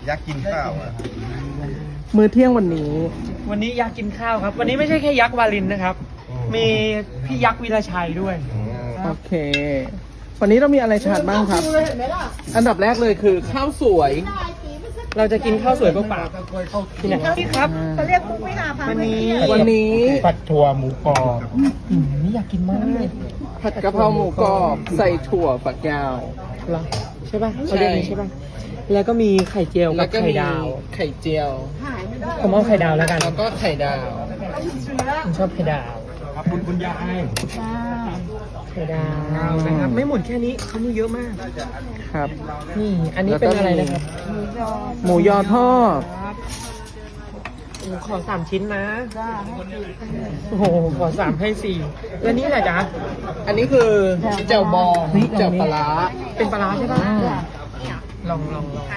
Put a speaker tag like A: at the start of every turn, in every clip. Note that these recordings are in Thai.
A: อยากกินข้าวอ่ะ
B: มื้อเที่ยงวันนี้
C: วันนี้ยักษ์กินข้าวครับ วันนี้ไม่ใช่แค่ยักษ์วาลินนะครับ มีพี่ยักษ์วีรชัยด้วย
B: โอเค วันนี้เรามีอะไรทานบ้างครับ อันดับแรกเลยคือข้าวสวย
C: เราจะกินข้าวสวยเปล่าๆที่ไหนพี่ครับ
D: เขาเรียกมุกวิลาพา
C: วันนี้
B: วันนี้
A: ผัดถั่วหมูกรอบ
C: นี่อยากกินมากเลย
B: ผัดกะเพราหมูกรอบใส่ถั่วฝักยาว
C: เหรอใช่ป่ะเขาเรียกอย่างนี้ใช่ป่ะแล้วก็มีไข่เจียว
B: แล้
C: กับ
B: วก็
C: ไข่
B: มี
C: ดาว
B: ไข่เจียว
C: ผมเอาไข่ดาวแล้วกัน
B: แล้วก็ไข่ดาว
C: ผมชอบไข่ดาว
A: ครับคุณยาย
C: ไข่ดาวนะครับไม่หมดแค่นี้เขามีเยอะมาก
B: ครับ
C: นี่อันนี้เป็นอะไรนะครับ
B: หมูยอทอด
C: โอ้ขอ3 ชิ้นนะโอ้โหขอ3ให้4แล้วนี่แหละจ๊ะ
B: อันนี้คือแจ่วบอง
C: เฮ้ย
B: แจ่วปลาร้า
C: เป็นปลาร้าใช่ป่ะลอง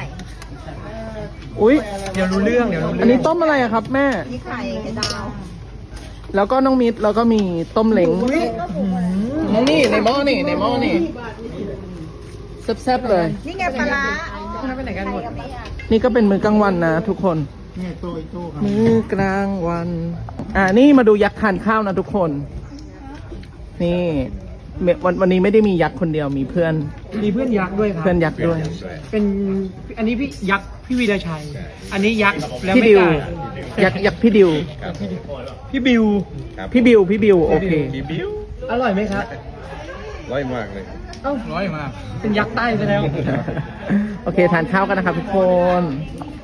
B: อุ้ย
C: เดี๋ยวรู้เรื่องเดี๋ยวรู้
B: อัน
C: เรื่
B: นี้
C: อง
B: ต้มอะไรอะครับแม่
D: นี่ไข่ดาว
B: แล้วก็น้องมิตรแล้วก็มีต้มเล้งนี่ในหม้อนี่ในหม้อนี่แซ่บๆเลย
D: นี่ไงปลาร้า
C: ไปไหนกันหมด
B: นี่ก็เป็นมื้อกลางวันนะทุกคน
A: นี่ตู้อีกตู้ครับ
B: มื้อกลางวัน นี่มาดูยักษ์ทานข้าวนะทุกคน นี่วันนี้ไม่ได้มียักษ์คนเดียวมีเพื่อน
C: มีเพื่อนยักษ์ด้วยครับ
B: เพื่อนยักษ์ด้วย
C: เป็นอันนี้พี่ยักษ์พี่วีรชัย อันนี้ยักษ์แล้ว
B: พี่
C: ไม่
B: ดิว
C: ไก่
B: ยักษ์พี่ดิว
C: พี่บิว
B: พี่บิวโอเค
A: บีบิว
C: อร่อยไหมครับ
A: ร้อยมากเลย
C: เอ้า
A: ร้อยมาก
C: เป็นยักษ์ใต้ซะแล้ว
B: โอเคทานข้าวกันนะครับทุกคน